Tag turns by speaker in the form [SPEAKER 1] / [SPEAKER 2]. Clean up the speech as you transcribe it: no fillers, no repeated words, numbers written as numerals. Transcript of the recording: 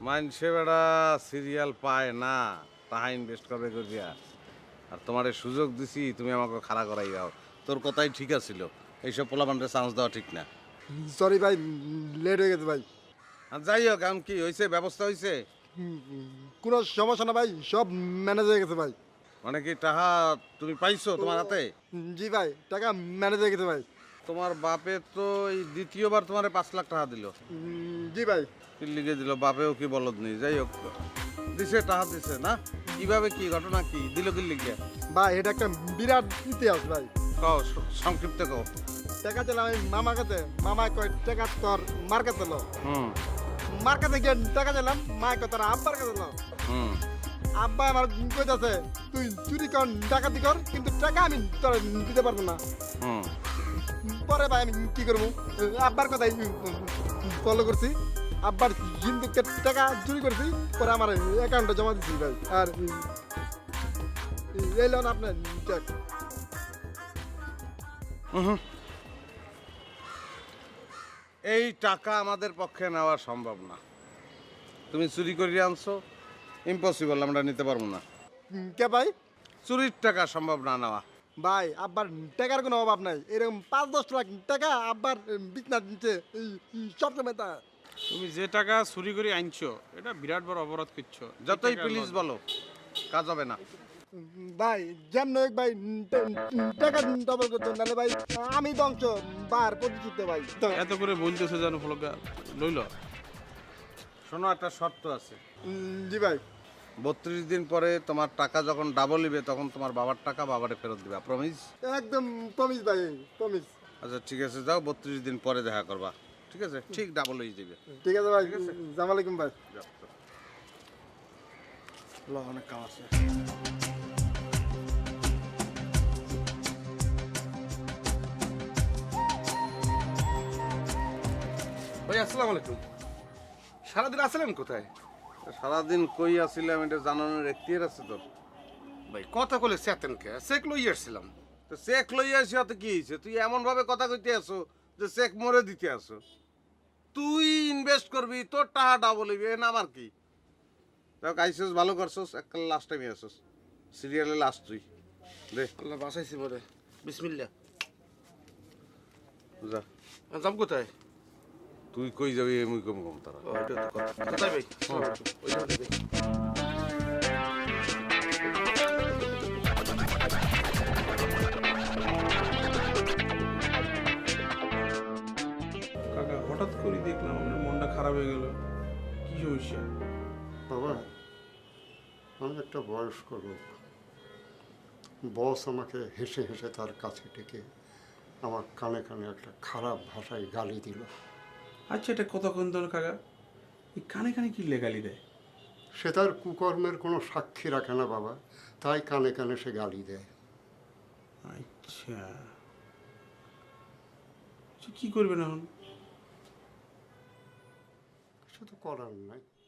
[SPEAKER 1] মাইনসে বেড়া সিরিয়াল পায় না, তাহা ইনভেস্ট করবে করিয়া। আর তোমার এই সুযোগ দিছি, তুমি আমাকে খাড়া করাই যাও। তোর কথাই ঠিক আছিল, এইসব পোলাপানরে চান্স দেওয়া ঠিক না।
[SPEAKER 2] সরি ভাই, লেট হয়ে গেছে ভাই।
[SPEAKER 1] আর যাই হোক, এখন কি হয়েছে, ব্যবস্থা হয়েছে?
[SPEAKER 2] কোনো সমস্যা না ভাই, সব ম্যানেজ হয়ে গেছে ভাই।
[SPEAKER 1] মানে কি টাকা তুমি পাইছো তোমার হাতে?
[SPEAKER 2] জি ভাই, টাকা ম্যানেজ হয়ে গেছে ভাই।
[SPEAKER 1] তোমার বাপে তো এই দ্বিতীয়বার তোমারে 5 লাখ টাকা দিল।
[SPEAKER 2] জি ভাই।
[SPEAKER 1] কি লিখে দিল? বাপেও কি বলদ নেই, যাই হোক দিছে, টাকা দিছে না? কিভাবে, কি ঘটনা, কি দিল, কি লিখে?
[SPEAKER 2] ভাই এটা একটা বিরাট ইতিহাস ভাই।
[SPEAKER 1] কও, সংক্ষিপ্ত কও।
[SPEAKER 2] টাকা চাইলাম আমি মামার কাছে, মামা কয় টাকা তোর মার কাছে লো।
[SPEAKER 1] হুম
[SPEAKER 2] মার কাছে গিয়ে টাকা চাইলাম, মা কয় তোর আব্বার কাছে লো।
[SPEAKER 1] হুম
[SPEAKER 2] আব্বা আমার কইতাছে তুই চুরি কর ডাকাতি কর, কিন্তু টাকা আমি তোর দিতে পারবো না।
[SPEAKER 1] হুম
[SPEAKER 2] পরে ভাই আমি কি করবো, আব্বার কথাই ফলো করছি। আব্বার হিন্দু টাকা চুরি করছি, পরে আমার অ্যাকাউন্টে জমা দিচ্ছি ভাই। আর এই লোন আপনার চেক।
[SPEAKER 1] হুম। এই টাকা আমাদের পক্ষে নেওয়া সম্ভব না। তুমি চুরি করে আনছো, ইম্পসিবল, আমরা নিতে পারবো না।
[SPEAKER 2] কে ভাই?
[SPEAKER 1] চুরির টাকা সম্ভব না নেওয়া।
[SPEAKER 2] ভাই আব্বার টাকার কোনো অভাব নাই, এরকম 5-10 লাখ টাকা আব্বার বিছনা দিচ্ছে সবসময় তা।
[SPEAKER 3] তুমি যে টাকা চুরি করে আনছো এটা বিরাট বড় অপরাধ করছো।
[SPEAKER 1] যতই প্লিজ বলো, কাজ হবে না।
[SPEAKER 2] ভাই যেমন হোক ভাই, টাকা ডবল করতে নাহলে ভাই আমি ধ্বংস বার প্রতিষ্ঠিত ভাই।
[SPEAKER 3] এত করে বলতেছে জানো ফলকা লইল।
[SPEAKER 1] শোনো, একটা শর্ত আছে।
[SPEAKER 2] জি ভাই।
[SPEAKER 1] 32 দিন পরে তোমার টাকা যখন ডাবল নিবে, তখন তোমার বাবার টাকা বাবারে ফেরত দিবা, প্রমিস?
[SPEAKER 2] একদম প্রমিস ভাই, প্রমিস।
[SPEAKER 1] আচ্ছা ঠিক আছে, যাও, 32 দিন পরে দেখা করবা, ঠিক আছে? ঠিক ডাবল হয়ে যাবে।
[SPEAKER 2] ঠিক আছে ভাই, আসসালামু আলাইকুম ভাই।
[SPEAKER 1] যাও, যাও। অনেক কাম আছে।
[SPEAKER 4] ভাই আসসালামু আলাইকুম। সারাদিন আসলেন কোথায়?
[SPEAKER 1] সারাদিন কই আছিলাম এটা জানানোর এখতিয়ার আছে তোর?
[SPEAKER 4] ভাই কথা কলে চেতেন কে, চেক লই আসছিলাম।
[SPEAKER 1] তো চেক লইয়া আসি, অত কি হয়েছে? তুই এমন ভাবে কথা কইতে আসো যে চেক মরে দিতে আসো। তুই ইনভেস্ট করবি, তোর টাকা ডাবল হইবে, না আমার কি? দেখ, আইসোস, ভালো করছোস, একটা লাস্ট টাইমে আসোস, সিরিয়ালে লাস্ট তুই। দে
[SPEAKER 4] আল্লাহ বাসাইছি মরে। বিসমিল্লাহ।
[SPEAKER 1] যা।
[SPEAKER 4] যাম কোথায়?
[SPEAKER 1] তুই কই যাবি, মুই কম কম তারা।
[SPEAKER 4] ও এটা তো কথা। কোথায় ভাই? ওই জায়গাটায় ভাই।
[SPEAKER 3] কাকা হঠাৎ করে দেখলাম আমার মনটা খারাপ হয়ে গেল। কি সমস্যা?
[SPEAKER 5] বাবা, আমি একটা বয়স্ক লোক। বস আমাকে হেসে হেসে তার কাছে ডেকে আমার কানে কানে একটা খারাপ ভাষায় গালি দিল।
[SPEAKER 3] আচ্ছা এটা কতক্ষণ ধরে কাকা এই কানে কানে কি লেগালি দেয়?
[SPEAKER 5] সে তার কুকর্মের কোনো সাক্ষী রাখে না বাবা, তাই কানে কানে সে গালি দেয়।
[SPEAKER 3] আচ্ছা কি করবেন এখন?
[SPEAKER 5] কিছু তো করার নাই।